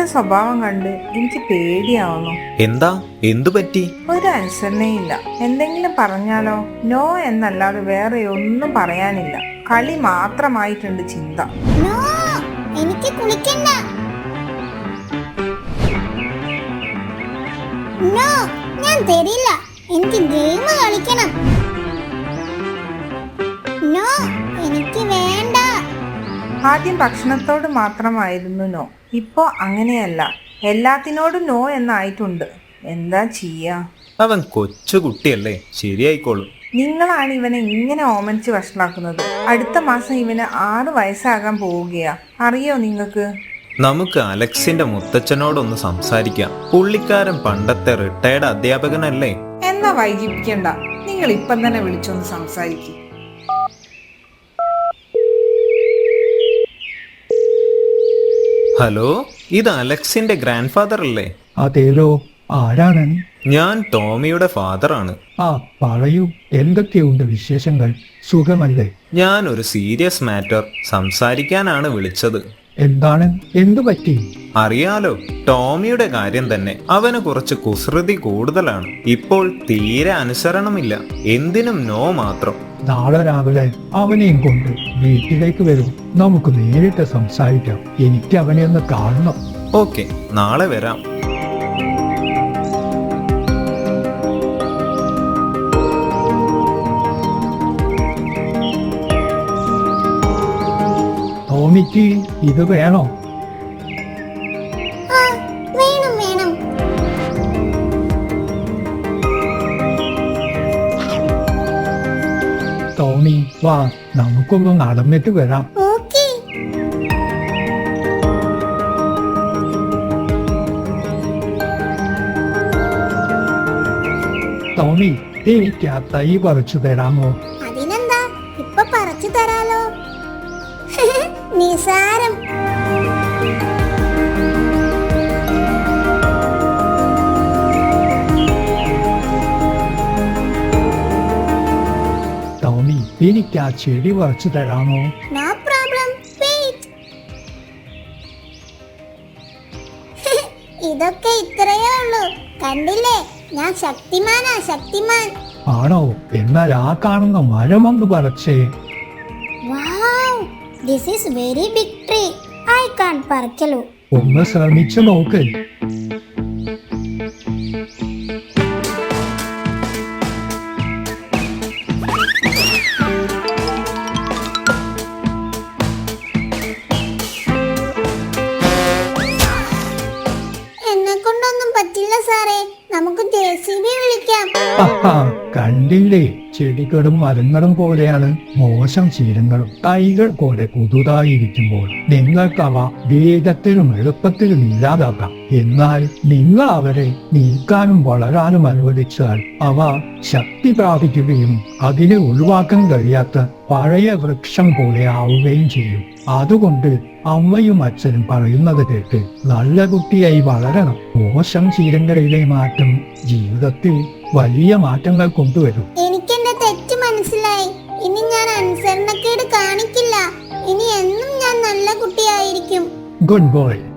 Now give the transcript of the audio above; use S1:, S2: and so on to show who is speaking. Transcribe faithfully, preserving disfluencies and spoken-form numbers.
S1: സ്വഭാവം കണ്ട് എനിക്ക് പേടിയാവുന്നു.
S2: എന്താ എന്തു പറ്റി?
S1: ഒരു അനുസരണയില്ല. എന്തെങ്കിലും പറഞ്ഞാലോ നോ എന്നല്ലാതെ വേറെ ഒന്നും പറയാനില്ല. കളി മാത്രമായിട്ടുണ്ട് ചിന്ത.
S3: എനിക്ക് കുളിക്കണ്ട. നോ, ഞാൻ തരില്ല. എനിക്ക് ഗെയിം കളിക്കണം. നോ, എനിക്ക് വേണ്ട.
S1: ആദ്യം ഭക്ഷണത്തോട് മാത്രമായിരുന്നു നോ. ഇപ്പോ അങ്ങനെയല്ല, എല്ലാത്തിനോടും നോ എന്നായിട്ടുണ്ട്. എന്താ ചെയ്യാ?
S2: അവൻ കൊച്ചുകുട്ടിയല്ലേ, ശരിയായിക്കോളും.
S1: നിങ്ങളാണ് ഇവനെ ഇങ്ങനെ ഓമനിച്ച് വഷളാക്കുന്നത്. അടുത്ത മാസം ഇവന് ആറ് വയസ്സാകാൻ പോവുകയാ. അറിയോ നിങ്ങൾക്ക്?
S2: നമുക്ക് അലക്സിന്റെ മുത്തച്ഛനോടൊന്ന് സംസാരിക്കാം. പുള്ളിക്കാരൻ പണ്ടത്തെ റിട്ടയർഡ് അധ്യാപകനല്ലേ.
S1: എന്നാ വൈകിപ്പിക്കണ്ട, നിങ്ങൾ ഇപ്പം തന്നെ വിളിച്ചൊന്ന് സംസാരിക്കും.
S2: ഹലോ, ഇത് അലക്സിന്റെ ഗ്രാൻഡ് ഫാദർ അല്ലേ?
S4: അതേലോ, ആരാണ്?
S2: ഞാൻ ടോമിയുടെ ഫാദറാണ്.
S4: ആ പറയൂ, എന്തൊക്കെയുണ്ട് വിശേഷങ്ങൾ? സുഖമല്ലേ?
S2: ഞാൻ ഒരു സീരിയസ് മാറ്റർ സംസാരിക്കാനാണ് വിളിച്ചത്.
S4: എന്താണ്? എന്തു പറ്റി?
S2: അറിയാലോ, ടോമിയുടെ കാര്യം തന്നെ. അവന് കുറച്ച് കുസൃതി കൂടുതലാണ്. ഇപ്പോൾ തീരെ അനുസരണമില്ല. എന്തിനും നോ മാത്രം.
S4: നാളെ രാവിലെ അവനെയും കൊണ്ട് വീട്ടിലേക്ക് വരും. നമുക്ക് നേരിട്ട് സംസാരിക്കാം. എനിക്ക് അവനെ ഒന്ന് കാണണം.
S2: ഓക്കെ, നാളെ വരാം.
S4: ടോമിക്ക് ഇത് വേണോ?
S3: വേണം വേണം.
S4: ടോമി വാ, നമുക്കൊന്ന് നടന്നിട്ട് വരാം.
S3: ഓക്കേ.
S4: ടോമി, എനിക്ക് ആ തൈ പറിച്ചു തരാമോ?
S3: അതിനെന്താ, ഇപ്പൊ പറിച്ചു തരാലോ. നിസാരം.
S4: ടോമി, എനിക്ക് ആ ചെടി പറിച്ചു തരാമോ?
S3: No problem. വെയിറ്റ്. ഇതൊക്കെ ഇത്രയേ ഉള്ളൂ. കണ്ടില്ലേ, ഞാൻ ശക്തിമാനാ, ശക്തിമാൻ.
S4: ആണോ? എന്നാൽ ആ കാണുന്ന മരമൊന്ന് പറിച്ചേ.
S3: Wow, this is very big tree. I can't പറിക്കലോ.
S4: ഒന്ന് ശ്രമിച്ചു നോക്ക്.
S3: എന്നെ കൊണ്ടൊന്നും പറ്റില്ല സാറേ. നമുക്ക് ജെ സി ബി വിളിക്കാം.
S4: ആഹാ, കണ്ടില്ലേ, ചെടികളും മരങ്ങളും പോലെയാണ് മോശം ശീലങ്ങളും. തൈകൾ പോലെ പുതുതായിരിക്കുമ്പോൾ നിങ്ങൾക്ക് അവ വേഗത്തിലും എളുപ്പത്തിലും ഇല്ലാതാക്കാം. എന്നാൽ നിങ്ങൾ അവരെ നീക്കാനും വളരാനും അനുവദിച്ചാൽ അവ ശക്തി പ്രാപിക്കുകയും അതിനെ ഒഴിവാക്കാൻ കഴിയാത്ത പഴയ വൃക്ഷം പോലെ ആവുകയും ചെയ്യും. അതുകൊണ്ട് അമ്മയും അച്ഛനും പറയുന്നത് കേട്ട് നല്ല കുട്ടിയായി വളരണം. മോശം ശീലങ്ങളിലെ മാറ്റം ജീവിതത്തിൽ വലിയ മാറ്റങ്ങൾ കൊണ്ടുവരും.
S3: എനിക്ക് എന്റെ തെറ്റ് മനസ്സിലായി. ഇനി ഞാൻ അനുസരണക്കേട് കാണിക്കില്ല. ഇനി എന്നും ഞാൻ നല്ല കുട്ടിയായിരിക്കും.
S4: Good boy.